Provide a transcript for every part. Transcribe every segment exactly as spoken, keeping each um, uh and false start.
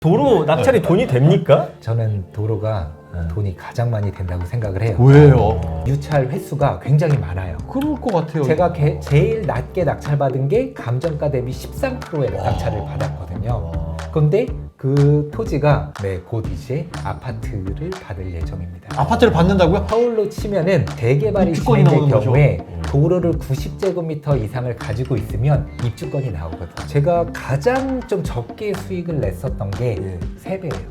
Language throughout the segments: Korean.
도로 낙찰이 돈이 됩니까? 저는 도로가 돈이 가장 많이 된다고 생각을 해요. 왜요? 유찰 횟수가 굉장히 많아요. 그럴 것 같아요. 제가 게, 제일 낮게 낙찰받은 게 감정가 대비 십삼 퍼센트의 낙찰을 받았거든요. 그런데 그 토지가 네, 곧 이제 아파트를 받을 예정입니다. 아파트를 받는다고요? 서울로 치면은 재개발이 입주권이 진행될 나오는 경우에 거죠. 도로를 구십 제곱미터 이상을 가지고 있으면 입주권이 나오거든요. 제가 가장 좀 적게 수익을 냈었던 게 예. 세 배예요.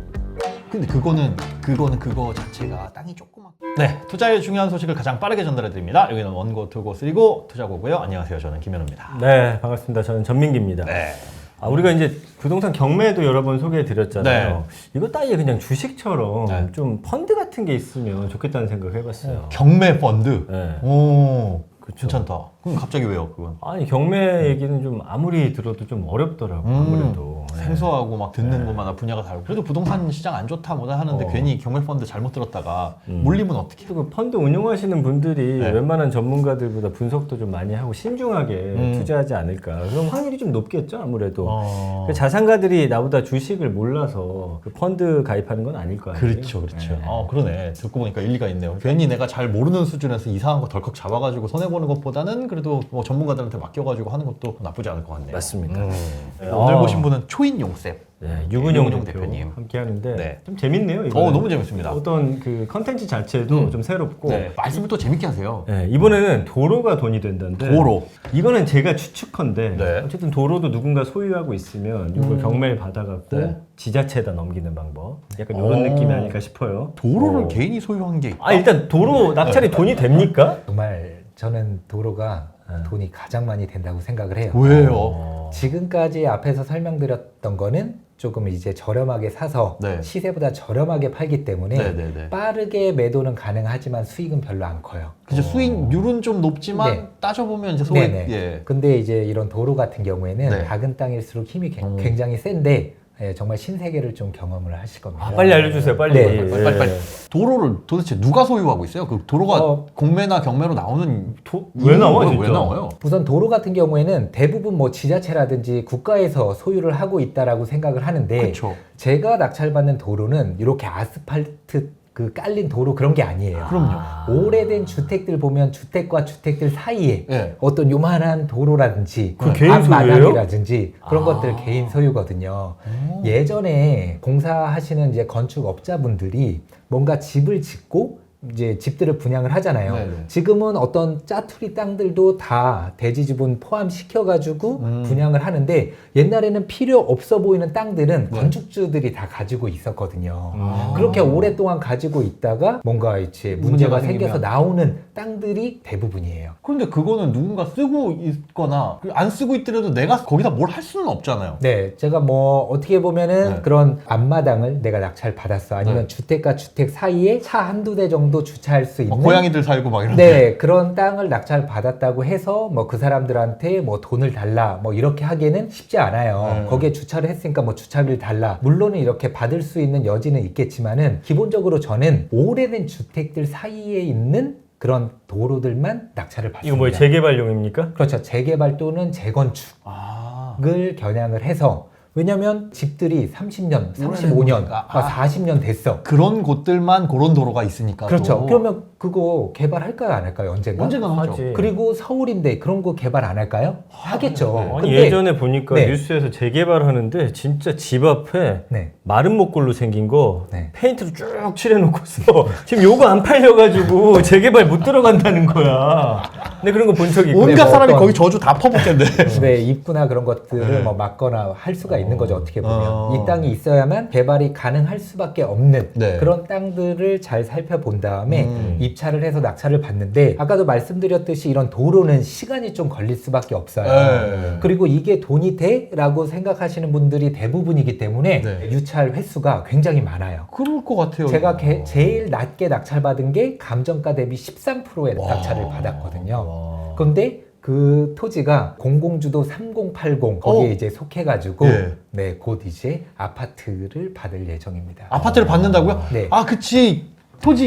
근데 그거는 그거는 그거 자체가 땅이 조그맣. 네, 투자의 중요한 소식을 가장 빠르게 전달해 드립니다. 여기는 원고, 투고, 쓰리고 투자고고요. 안녕하세요, 저는 김현우입니다. 네, 반갑습니다. 저는 전민기입니다. 네. 아, 우리가 이제 부동산 경매도 여러 번 소개해 드렸잖아요. 네. 이거 따위에 그냥 주식처럼 네. 좀 펀드 같은 게 있으면 좋겠다는 생각을 해봤어요. 경매 펀드. 네. 오, 그쵸. 괜찮다. 그럼 갑자기 왜요, 그건? 아니 경매 얘기는 좀 아무리 들어도 좀 어렵더라고. 음, 아무래도 네. 생소하고 막 듣는 네. 것마다 분야가 다르고. 그래도 부동산 시장 안 좋다 뭐다 하는데 어. 괜히 경매 펀드 잘못 들었다가 음. 물리면 어떻게? 그 펀드 운용하시는 분들이 네. 웬만한 전문가들보다 분석도 좀 많이 하고 신중하게 음. 투자하지 않을까. 그럼 확률이 좀 높겠죠, 아무래도. 어. 그 자산가들이 나보다 주식을 몰라서 그 펀드 가입하는 건 아닐 거 아니에요. 그렇죠, 그렇죠. 네. 어, 그러네. 듣고 보니까 일리가 있네요. 괜히 내가 잘 모르는 수준에서 이상한 거 덜컥 잡아가지고 손해 보는 것보다는 그래도 뭐 전문가들한테 맡겨가지고 하는 것도 나쁘지 않을 것 같네요. 맞습니다. 음. 네. 오늘 아. 보신 분은 초인용쌤. 네, 유근용 유근용 대표 대표님. 함께 하는데 네. 좀 재밌네요. 이거. 어, 너무 재밌습니다. 어떤 그 컨텐츠 자체도 음. 좀 새롭고. 네, 말씀을 또 재밌게 하세요. 네, 이번에는 도로가 돈이 된다는데 도로. 이거는 제가 추측컨대 네. 어쨌든 도로도 누군가 소유하고 있으면 이걸 음. 경매를 받아갖고 네. 지자체에다 넘기는 방법 약간 이런 어. 느낌이 아닐까 싶어요. 도로를 어. 개인이 소유한 게 있다? 아 일단 도로 낙찰이 돈이 됩니까? 정말 저는 도로가 돈이 가장 많이 된다고 생각을 해요. 왜요? 어. 지금까지 앞에서 설명드렸던 거는 조금 이제 저렴하게 사서 네. 시세보다 저렴하게 팔기 때문에 네네네. 빠르게 매도는 가능하지만 수익은 별로 안 커요. 그죠, 수익률은 좀 높지만 네. 따져보면 이제 소액, 네네. 예. 근데 이제 이런 도로 같은 경우에는 네. 작은 땅일수록 힘이 개- 음. 굉장히 센데 예, 정말 신세계를 좀 경험을 하실 겁니다. 아, 빨리 알려주세요. 빨리. 네, 빨리, 빨리, 빨리. 예. 도로를 도대체 누가 소유하고 있어요? 그 도로가 어. 공매나 경매로 나오는 도- 왜 나와, 이유가 진짜? 왜 나와요? 우선 도로 같은 경우에는 대부분 뭐 지자체라든지 국가에서 소유를 하고 있다라고 생각을 하는데 그렇죠. 제가 낙찰받는 도로는 이렇게 아스팔트 그 깔린 도로 그런 게 아니에요. 그럼요. 오래된 주택들 보면 주택과 주택들 사이에 예. 어떤 요만한 도로라든지 그 개인 앞마당이라든지 그런 아. 것들 개인 소유거든요. 예전에 공사하시는 이제 건축업자분들이 뭔가 집을 짓고 이제 집들을 분양을 하잖아요. 네네. 지금은 어떤 짜투리 땅들도 다 대지 지분 포함시켜가지고 음. 분양을 하는데 옛날에는 필요 없어 보이는 땅들은 네. 건축주들이 다 가지고 있었거든요. 아. 그렇게 오랫동안 가지고 있다가 뭔가 이제 문제가 문제가 생겨서 생기면. 나오는 땅들이 대부분이에요. 그런데 그거는 누군가 쓰고 있거나 안 쓰고 있더라도 내가 거기다 뭘 할 수는 없잖아요. 네, 제가 뭐 어떻게 보면은 네. 그런 앞마당을 내가 낙찰 받았어. 아니면 네. 주택과 주택 사이에 차 한두 대 정도 주차할 수 있는 막 고양이들 살고 막 이런. 네, 그런 땅을 낙찰 받았다고 해서 뭐 그 사람들한테 뭐 돈을 달라 뭐 이렇게 하기는 쉽지 않아요. 네. 거기에 주차를 했으니까 뭐 주차비를 달라. 물론은 이렇게 받을 수 있는 여지는 있겠지만은 기본적으로 저는 오래된 주택들 사이에 있는 그런 도로들만 낙찰을 받습니다. 이거 뭐 재개발용입니까? 그렇죠. 재개발 또는 재건축을 아. 겨냥을 해서 왜냐면 집들이 삼십 년, 삼십오 년, 거니까. 아, 사십 년 됐어. 그런 곳들만 그런 도로가 있으니까. 그렇죠. 또. 그러면 그거 개발할까요? 안 할까요? 언젠가? 언젠간 하죠. 하지. 그리고 서울인데 그런 거 개발 안 할까요? 하겠죠. 네. 아니 근데- 예전에 보니까 네. 뉴스에서 재개발하는데 진짜 집 앞에 네. 마른 목골로 생긴 거 네. 페인트로 쭉 칠해놓고서 지금 요거 안 팔려가지고 재개발 못 들어간다는 거야. 근데 그런 거 본 적이 있고. 온갖 뭐 사람이 어떤- 거기 저주 다 퍼붓겠네. 네, 입구나 그런 것들을 네. 뭐 막거나 할 수가 있는 거죠. 어떻게 보면 어. 이 땅이 있어야만 개발이 가능할 수밖에 없는 네. 그런 땅들을 잘 살펴본 다음에 음. 입찰을 해서 낙찰을 받는데 아까도 말씀드렸듯이 이런 도로는 시간이 좀 걸릴 수밖에 없어요. 네. 그리고 이게 돈이 돼? 라고 생각하시는 분들이 대부분이기 때문에 네. 유찰 횟수가 굉장히 많아요. 그럴 것 같아요. 제가 게- 제일 낮게 낙찰받은 게 감정가 대비 십삼 퍼센트의 와. 낙찰을 받았거든요. 와. 그런데 그 토지가 공공주도 삼공팔공 거기에 어. 이제 속해가지고 예. 네, 곧 이제 아파트를 받을 예정입니다. 아파트를 받는다고요? 네. 아, 그치. 토지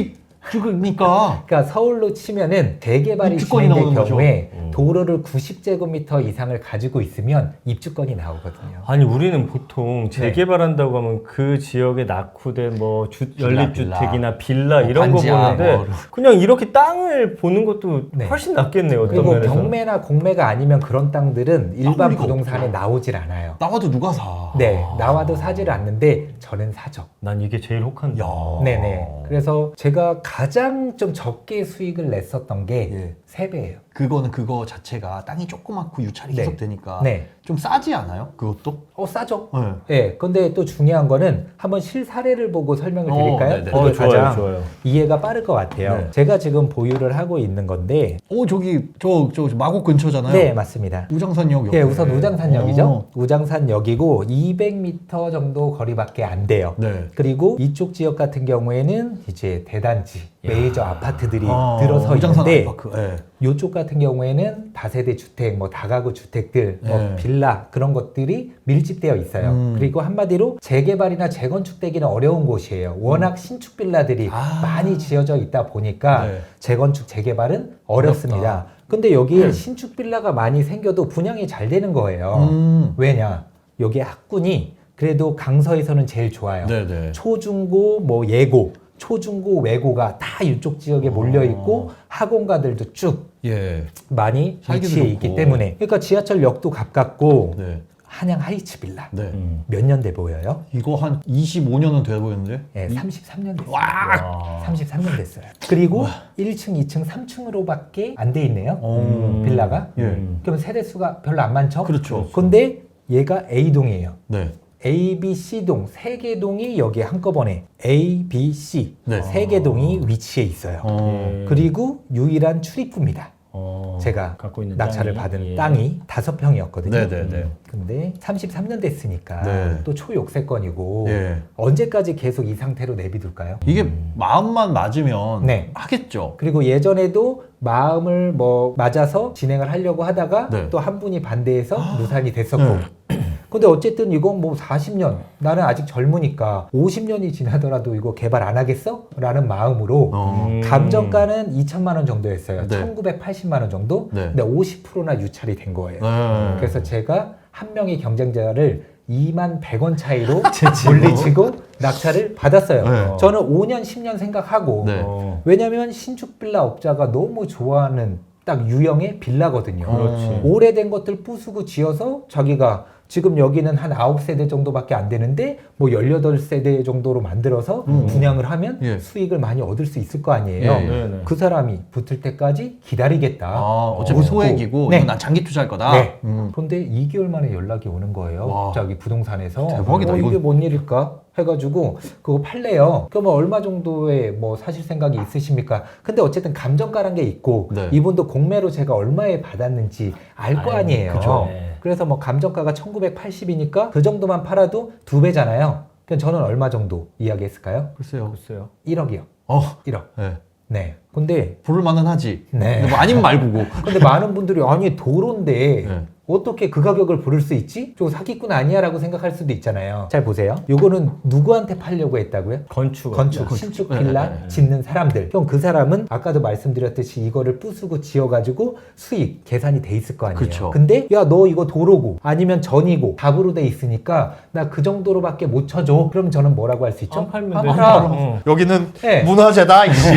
그러니까 그러니까 서울로 치면은 재개발이 입주권이 진행될 나오는 경우에 거죠. 음. 도로를 구십 제곱미터 이사를 가지고 있으면 입주권이 나오거든요. 아니 우리는 보통 재개발한다고 하면 그 지역에 낙후된 뭐 주, 빌라, 연립주택이나 빌라 뭐 이런 거 반지하 보는데 뭐. 그냥 이렇게 땅을 보는 것도 네. 훨씬 낫겠네요. 어떤 그리고 면에서. 경매나 공매가 아니면 그런 땅들은 일반 리가 부동산에 없죠. 나오질 않아요. 나와도 누가 사? 네, 나와도 사질 않는데 저는 사죠. 난 이게 제일 혹한다. 야. 네네. 그래서 제가 가장 좀 적게 수익을 냈었던 게 예. 세 배예요. 그거는 그거 자체가 땅이 조그맣고 유찰이 네. 계속 되니까 네. 좀 싸지 않아요? 그것도? 어, 싸죠? 네. 네. 근데 또 중요한 거는 한번 실사례를 보고 설명을 어, 드릴까요? 네네. 그게 어, 좋아요, 가장 좋아요. 이해가 빠를 것 같아요. 네. 제가 지금 보유를 하고 있는 건데, 오 저기 저, 저 마곡 근처잖아요. 네, 맞습니다. 우장산역 옆에. 예, 우선 우장산역이죠. 어. 우장산역이고 이백 미터 정도 거리밖에 안 돼요. 네. 그리고 이쪽 지역 같은 경우에는 이제 대단지, 메이저 아파트들이 어, 들어서 우장산 있는데 아이파크. 네. 이쪽 같은 경우에는 다세대 주택, 뭐 다가구 주택들, 뭐 네. 빌라 그런 것들이 밀집되어 있어요. 음. 그리고 한마디로 재개발이나 재건축되기는 어려운 곳이에요. 워낙 음. 신축 빌라들이 아. 많이 지어져 있다 보니까 네. 재건축, 재개발은 어렵습니다. 어렵다. 근데 여기에 음. 신축 빌라가 많이 생겨도 분양이 잘 되는 거예요. 음. 왜냐? 여기 학군이 그래도 강서에서는 제일 좋아요. 네네. 초중고, 뭐 예고, 초중고, 외고가 다 이쪽 지역에 몰려 있고 학원가들도 쭉 예. 많이 살기도 위치해 좋고. 있기 때문에, 그러니까 지하철역도 가깝고 네. 한양 하이츠 빌라 네. 음. 몇 년대 보여요? 이거 한 이십오 년은 돼 보이는데? 네, 이- 삼십삼 년 됐어요. 와. 삼십삼 년 됐어요. 그리고 일 층, 이 층, 삼 층으로밖에 안 돼 있네요. 어. 빌라가. 예. 음. 그럼 세대수가 별로 안 많죠? 그렇죠. 근데 얘가 A동이에요. 네. A, B, C동 세 개 동이 여기에 한꺼번에 A, B, C 네. 세 개 동이 위치해 있어요. 어. 예. 그리고 유일한 출입구입니다. 어, 제가 갖고 있는 낙찰을 땅이. 받은 예. 땅이 다섯 평이었거든요. 네네네. 근데 삼십삼 년 됐으니까 네. 또 초욕세권이고 예. 언제까지 계속 이 상태로 내비둘까요? 이게 마음만 맞으면 네. 하겠죠. 그리고 예전에도 마음을 뭐 맞아서 진행을 하려고 하다가 네. 또 한 분이 반대해서 무산이 됐었고. 네. 근데 어쨌든 이건 뭐 사십 년, 나는 아직 젊으니까 오십 년이 지나더라도 이거 개발 안 하겠어? 라는 마음으로 어. 음. 감정가는 이천만 원 정도였어요. 네. 천구백팔십만 원 정도? 네. 근데 오십 퍼센트나 유찰이 된 거예요. 네. 그래서 제가 한 명의 경쟁자를 이만 백 원 차이로 물리치고 낙찰을 받았어요. 네. 저는 오 년, 십 년 생각하고 네. 어. 왜냐면 신축 빌라 업자가 너무 좋아하는 딱 유형의 빌라거든요. 그렇지. 오래된 것들 부수고 지어서 자기가 지금 여기는 한 아홉 세대 정도밖에 안 되는데 뭐 열여덟 세대 정도로 만들어서 음. 분양을 하면 예. 수익을 많이 얻을 수 있을 거 아니에요. 예, 예. 네네. 그 사람이 붙을 때까지 기다리겠다. 아, 어차피 무섭고. 소액이고 네. 이건 난 장기 투자할 거다. 네. 음. 그런데 이 개월 만에 연락이 오는 거예요. 와. 갑자기 부동산에서. 대박이다, 어, 이게 이건. 뭔 일일까? 해가지고 그거 팔래요. 그러면 얼마 정도의 뭐 사실 생각이 있으십니까? 근데 어쨌든 감정가란 게 있고 네. 이분도 공매로 제가 얼마에 받았는지 알 거 아유, 아니에요. 그죠. 네. 그래서 뭐 감정가가 천구백팔십이니까 그 정도만 팔아도 두 배잖아요. 그럼 저는 얼마 정도 이야기했을까요? 글쎄요. 글쎄요. 일억이요. 어. 일억. 네. 네. 근데 부를 만은 하지. 네. 근데 뭐 아니면 말고고. 근데 많은 분들이 아니 도로인데 네. 어떻게 그 가격을 부를 수 있지? 저 사기꾼 아니야 라고 생각할 수도 있잖아요. 잘 보세요. 요거는 누구한테 팔려고 했다고요? 건축. 건축, 건축. 신축 네, 빌라 네, 네. 짓는 사람들. 그럼 그 사람은 아까도 말씀드렸듯이 이거를 부수고 지어가지고 수익 계산이 돼 있을 거 아니에요. 그쵸. 근데 야 너 이거 도로고 아니면 전이고 답으로 돼 있으니까 나 그 정도로밖에 못 쳐줘. 그럼 저는 뭐라고 할 수 있죠? 안 팔면 아, 되지. 팔아. 어. 여기는 네. 문화재다. 이씨.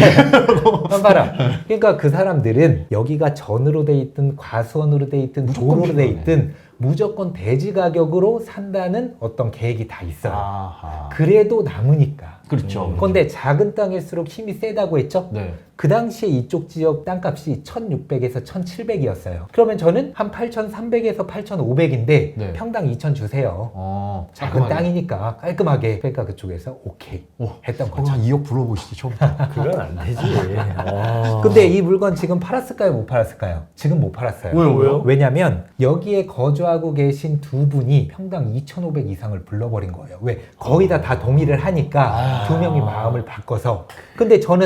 한 봐라. 그러니까 그 사람들은 여기가 전으로 돼 있든 과수원으로 돼 있든 무조건 도로로 돼 필요하네. 있든 무조건 대지 가격으로 산다는 어떤 계획이 다 있어요. 아하. 그래도 남으니까. 그렇죠. 그런데 작은 땅일수록 힘이 세다고 했죠? 네. 그 당시에 이쪽 지역 땅값이 천육백에서 천칠백이었어요. 그러면 저는 한 팔천삼백에서 팔천오백인데 네. 평당 이천 주세요. 어. 작은 깔끔하게. 땅이니까 깔끔하게. 그러니까 그쪽에서 오케이 오. 했던 어, 거죠. 한 이억 불러보시죠, 처음부터. 그건 안 되지. 아. 근데 이 물건 지금 팔았을까요? 못 팔았을까요? 지금 못 팔았어요. 왜요, 왜요? 왜냐면 여기에 거주하고 계신 두 분이 평당 이천오백 이상을 불러버린 거예요. 왜? 거의 다 다 동의를 하니까 아. 두 명이 마음을 바꿔서. 근데 저는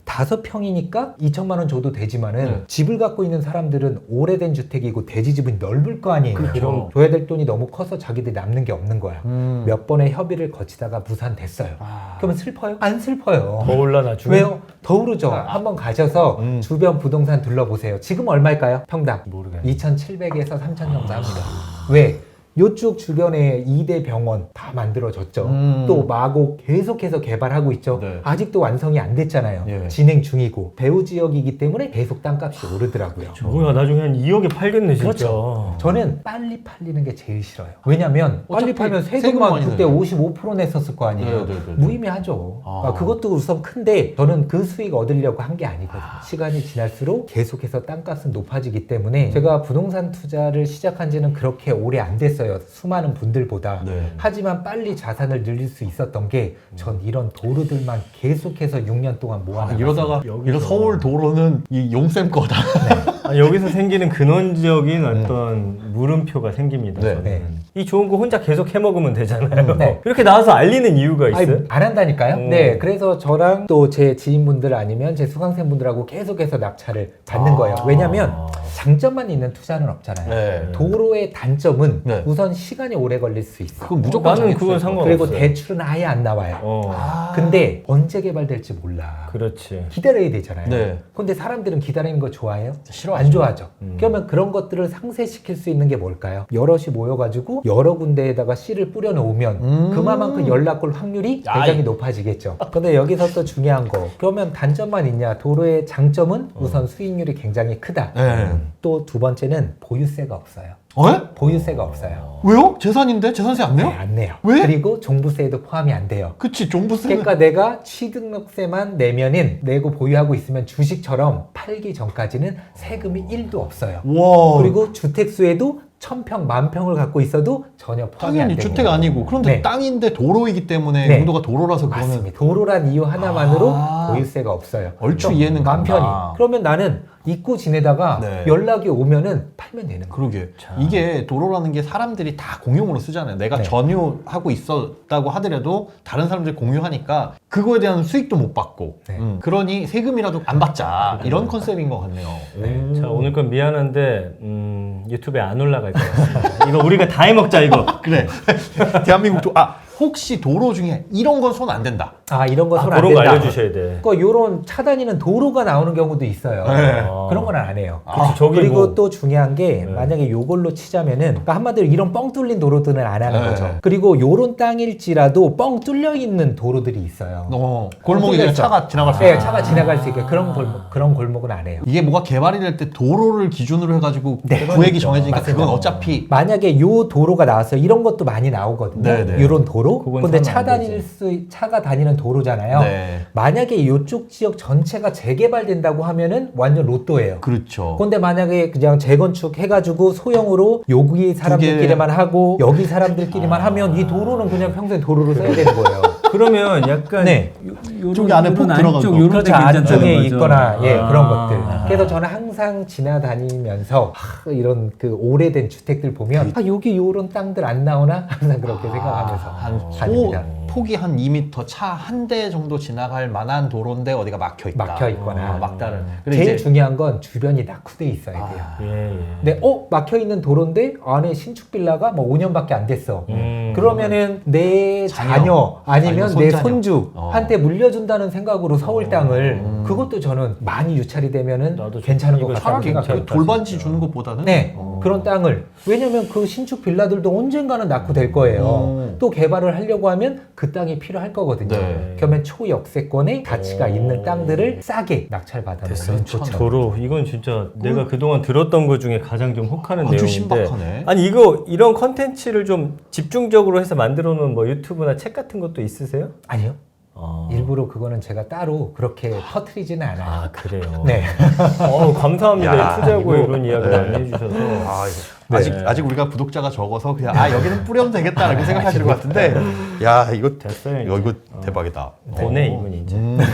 다섯 평이니까 이천만 원 줘도 되지만은 네. 집을 갖고 있는 사람들은 오래된 주택이고 대지집은 넓을 거 아니에요. 그렇죠. 그럼 줘야 될 돈이 너무 커서 자기들이 남는 게 없는 거야. 음. 몇 번의 협의를 거치다가 무산됐어요. 아. 그러면 슬퍼요? 안 슬퍼요. 더 올라 나중에. 왜요? 더 오르죠. 한번 가셔서 음. 주변 부동산 둘러보세요. 지금 얼마일까요? 평당 모르겠네. 이천칠백에서 삼천 정도 합니다. 왜? 요쪽 주변에 이 대 병원 다 만들어졌죠. 음. 또 마곡 계속해서 개발하고 있죠. 네. 아직도 완성이 안 됐잖아요. 예. 진행 중이고 배후 지역이기 때문에 계속 땅값이 오르더라고요. 뭐야 나중에 한 이억에 팔겠네 진짜. 그렇죠. 저는 빨리 팔리는 게 제일 싫어요. 왜냐면 빨리 어차피 팔면 세금 세금만 많이 그때 내요. 오십오 퍼센트 냈었을 거 아니에요. 네, 네, 네, 네. 무의미하죠. 아. 아, 그것도 우선 큰데 저는 그 수익 얻으려고 한 게 아니거든요. 시간이 지날수록 계속해서 땅값은 높아지기 때문에 음. 제가 부동산 투자를 시작한 지는 그렇게 오래 안 됐어요. 수많은 분들보다. 네. 하지만 빨리 자산을 늘릴 수 있었던 게 전 이런 도로들만 계속해서 육 년 동안 아, 모아놨어요. 이러다가 여기서. 이런 서울 도로는 이 용쌤 거다. 아, 여기서 생기는 근원적인 어떤 물음표가 생깁니다. 네. 저는. 네. 이 좋은 거 혼자 계속 해먹으면 되잖아요. 네. 이렇게 나와서 알리는 이유가 있어요? 아니, 안 한다니까요? 오. 네, 그래서 저랑 또 제 지인분들 아니면 제 수강생분들하고 계속해서 낙찰을 받는 아. 거예요. 왜냐면 장점만 있는 투자는 없잖아요. 네. 도로의 단점은 네. 우선 시간이 오래 걸릴 수 있어. 그건 무조건 나는 장애 그건 투자일 것 상관없어요. 그리고 대출은 아예 안 나와요. 어. 아. 근데 언제 개발될지 몰라. 그렇지. 기다려야 되잖아요. 네. 근데 사람들은 기다리는 거 좋아해요? 싫어하죠. 안 좋아하죠. 음. 그러면 그런 것들을 상쇄시킬 수 있는 게 뭘까요? 여럿이 모여가지고 여러 군데에다가 씨를 뿌려놓으면 음. 그만큼 연락 올 확률이 아이. 굉장히 높아지겠죠. 근데 여기서 또 중요한 거. 그러면 단점만 있냐? 도로의 장점은 우선 수익률이 굉장히 크다. 네. 또 두 번째는 보유세가 없어요. 어? 보유세가 없어요. 왜요? 재산인데 재산세 안 내요? 네, 안 내요. 왜? 그리고 종부세에도 포함이 안 돼요. 그치 종부세. 그러니까 내가 취등록세만 내면은 내고 보유하고 있으면 주식처럼 팔기 전까지는 세금이 일도 없어요. 와. 그리고 주택수에도 천평, 만평을 갖고 있어도 전혀 포함이 안 당연히 됩니다. 주택 아니고 그런데 네. 땅인데 도로이기 때문에 네. 용도가 도로라서 그거는 맞습니다. 도로란 이유 하나만으로 아. 보유세가 없어요. 얼추 좀 이해는 맘 편히. 간다. 그러면 나는 잊고 지내다가 네. 연락이 오면은 팔면 되는 거예요. 그러게 이게 도로라는 게 사람들이 다 공용으로 쓰잖아요. 내가 네. 전유하고 있었다고 하더라도 다른 사람들이 공유하니까 그거에 대한 수익도 못 받고 네. 음, 그러니 세금이라도 안 받자 이런 컨셉인 것 같네요. 네. 자 오늘 건 미안한데 음, 유튜브에 안 올라갈 것 같습니다. 이거 우리가 다 해먹자 이거. 그래 대한민국 도, 아 혹시 도로 중에 이런 건 손 안 된다. 아 이런 거 아, 손 안 그런 거 된다. 알려주셔야 돼. 그러니까 요런 차단이는 도로가 나오는 경우도 있어요. 네. 그런 건 안 해요. 그치, 저기 그리고 뭐- 또 중요한 게 네. 만약에 요걸로 치자면은 그러니까 한마디로 이런 뻥 뚫린 도로들은 안 하는 네. 거죠. 그리고 요런 땅일지라도 뻥 뚫려 있는 도로들이 있어요. 어, 골목에 뚫려 그냥 있어. 차가 지나갈 수 네, 있게. 차가 지나갈 수 있게 그런 골목 그런 골목은 안 해요. 이게 뭐가 개발이 될 때 도로를 기준으로 해가지고 네. 구획이 정해지니까 맞습니다. 그건 어차피 만약에 요 도로가 나왔어요. 이런 것도 많이 나오거든요. 네, 네. 이런 도로. 그건 근데 사면 차 안 다닐 되지. 수 차가 다니는 도로잖아요. 네 만약에 요쪽 지역 전체가 재개발된다고 하면은 완전 로또예요. 그렇죠. 근데 만약에 그냥 재건축 해가지고 소형으로 여기 사람들끼리만 하고 여기 사람들끼리만 하면 이 도로는 그냥 평생 도로로 써야 되는 거예요. 그러면 약간 네. 저기 안에 폭 들어가고. 요런 그렇죠. 데 괜찮다는 안쪽에 거죠. 있거나 예 아. 그런 것들. 그래서 저는 항상 지나다니면서 하, 이런 그 오래된 주택들 보면 아 여기 요런 땅들 안 나오나 항상 그렇게 생각하면서 한 소, 다닙니다. 폭이 한 이 미터 차 한 대 정도 지나갈 만한 도로인데 어디가 막혀 있다. 막혀 있거나. 어, 막다른. 근데 제일 이제 중요한 건 주변이 낙후돼 있어야 돼요. 아, 예, 예. 근데 어 막혀 있는 도로인데 안에 신축 빌라가 뭐 오 년밖에 안 됐어. 음. 그러면은 내 자녀, 자녀, 아니면 아니면 내 손자녀. 손주 어. 한테 물려준다는 생각으로 서울 땅을 음. 그것도 저는 많이 유찰이 되면은 나도 좀 괜찮은 것 이거 같다고 차라리 생각해요. 괜찮다. 돌반지 진짜. 주는 것보다는 네, 어. 그런 땅을 왜냐면 그 신축 빌라들도 언젠가는 낙후될 거예요. 음. 또 개발을 하려고 하면 그 땅이 필요할 거거든요. 네. 그러면 초역세권의 가치가 오. 있는 땅들을 싸게 낙찰받아놓으면 좋죠. 도로 이건 진짜 내가 그동안 들었던 것 중에 가장 좀 혹하는 아주 내용인데 신박하네. 아니 이거 이런 컨텐츠를 좀 집중적으로 해서 만들어 놓은 뭐 유튜브나 책 같은 것도 있으세요? 아니요. 아, 일부러 그거는 제가 따로 그렇게 터트리지는 않아요. 아 그래요. 네. 어, 감사합니다. 야, 투자고에 이거- 이런 이야기를 네. 많이 해주셔서. 아, 이거 네. 아직 아직 우리가 구독자가 적어서 그냥 아 여기는 뿌려도 되겠다라고 생각하시는 것 같은데 야 이거 됐어요. 이거, 이거 어. 대박이다. 보내 어. 이분 이제. 음.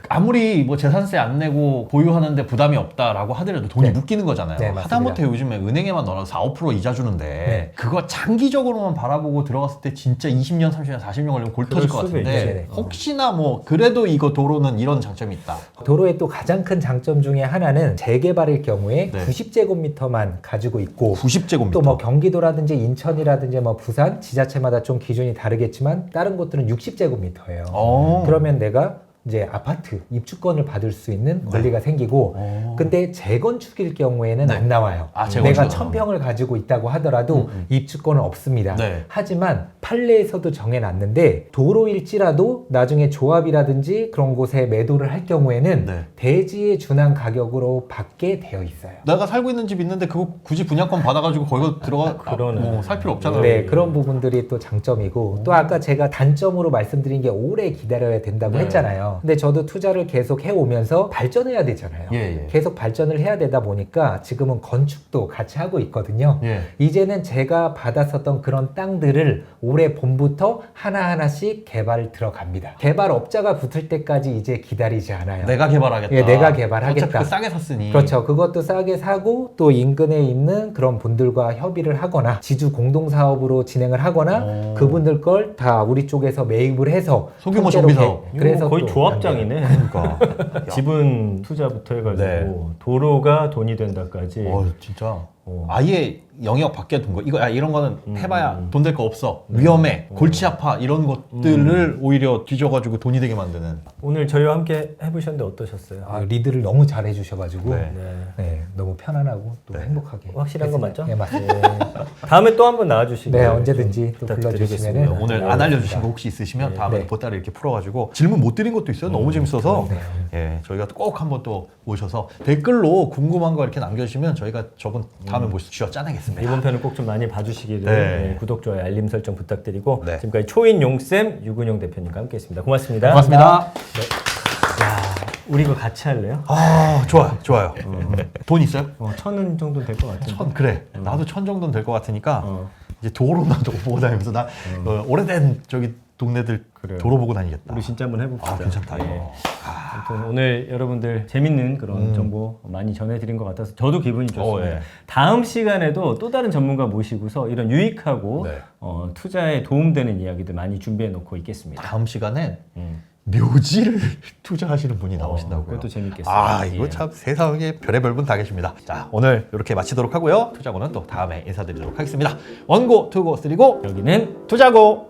아무리 뭐 재산세 안 내고 보유하는데 부담이 없다라고 하더라도 돈이 네. 묶이는 거잖아요. 네, 하다못해 요즘에 은행에만 넣어도 사, 오 퍼센트 이자 주는데 네. 그거 장기적으로만 바라보고 들어갔을 때 진짜 이십 년, 삼십 년, 사십 년 걸리면 골 터질 것 수도 같은데 있지. 네. 혹시나 뭐 그래도 이거 도로는 이런 장점이 있다. 도로의 또 가장 큰 장점 중에 하나는 재개발일 경우에 네. 구십 제곱미터만 가지고 있고 구십 제곱미터. 또 뭐 경기도라든지 인천이라든지 뭐 부산 지자체마다 좀 기준이 다르겠지만 다른 곳들은 육십 제곱미터예요. 어. 그러면 내가 이제 아파트 입주권을 받을 수 있는 권리가 생기고 어. 근데 재건축일 경우에는 네. 안 나와요. 아, 재건축은 내가 천 평을 가지고 있다고 하더라도 음, 음. 입주권은 없습니다. 네. 하지만 판례에서도 정해놨는데 도로일지라도 나중에 조합이라든지 그런 곳에 매도를 할 경우에는 네. 대지에 준한 가격으로 받게 되어 있어요. 내가 살고 있는 집 있는데 그거 굳이 분양권 받아가지고 거기서 들어가 그러네. 뭐 살 필요 없잖아요. 네, 그런 부분들이 또 장점이고 또 아까 제가 단점으로 말씀드린 게 오래 기다려야 된다고 네. 했잖아요. 근데 저도 투자를 계속 해오면서 발전해야 되잖아요. 예, 예. 계속 발전을 해야 되다 보니까 지금은 건축도 같이 하고 있거든요. 예. 이제는 제가 받았었던 그런 땅들을 올해 봄부터 하나하나씩 개발 들어갑니다. 개발업자가 붙을 때까지 이제 기다리지 않아요. 내가 개발하겠다. 예, 내가 개발하겠다. 어차피 그 싸게 샀으니. 그렇죠. 그것도 싸게 사고 또 인근에 있는 그런 분들과 협의를 하거나 지주 공동사업으로 진행을 하거나 오. 그분들 걸 다 우리 쪽에서 매입을 해서 소규모 통째로 정비 사업. 개- 그래서 거의 또 조합장이네. 그러니까. 지분 투자부터 해가지고 네. 도로가 돈이 된다까지. 어, 진짜. 어. 아예 영역 밖에 둔 거. 이거 야, 이런 거는 음, 해봐야 음. 돈 될 거 없어. 위험해. 골치 아파. 이런 것들을 오히려 뒤져가지고 돈이 되게 만드는. 오늘 저희와 함께 해보셨는데 어떠셨어요? 아, 리드를 너무 잘 해주셔가지고 네. 네. 네, 너무 편안하고 또 네. 행복하게 확실한 거 맞죠? 네, 맞습니다. 다음에 또 한번 나와주시고. 네, 언제든지 또 불러주시면은 부탁드리겠습니다. 오늘 네, 안 알려주신 알겠습니다. 거 혹시 있으시면 네. 다음에 네. 보따리 이렇게 풀어가지고 질문 못 드린 것도 있어요. 너무 재밌어서. 네. 예, 저희가 꼭 한번 또 모셔서 댓글로 궁금한 거 이렇게 남겨주시면 저희가 저번 다음에 모셔서 쥐어 짜내겠습니다. 이번 편을 꼭 좀 많이 봐주시기를 네. 네, 구독, 좋아요, 알림 설정 부탁드리고 네. 지금까지 초인용쌤, 유근용 대표님과 함께했습니다. 고맙습니다. 고맙습니다. 야, 우리 이거 같이 할래요? 아, 좋아요, 좋아요. 네. 돈 있어요? 어, 천은 정도 될 것 같은데. 천 그래. 나도 천 정도는 될 것 같으니까 어. 이제 도로 나도 보고 다니면서 나 어, 오래된 저기 동네들 그래요. 도로 보고 다니겠다. 우리 진짜 한번 해봅시다. 아, 괜찮다. 네. 이거. 아무튼 오늘 여러분들 재밌는 그런 음. 정보 많이 전해드린 것 같아서 저도 기분이 좋습니다. 어, 예. 다음 시간에도 또 다른 전문가 모시고서 이런 유익하고 네. 어, 투자에 도움되는 이야기들 많이 준비해 놓고 있겠습니다. 다음 시간엔 음. 묘지를 투자하시는 분이 어, 나오신다고요. 그것도 재밌겠어요. 아, 이거 예. 참 세상에 별의별 분 다 계십니다. 자, 오늘 이렇게 마치도록 하고요. 투자고는 또 다음에 인사드리도록 하겠습니다. 원고, 투고, 쓰리고, 여기는 투자고.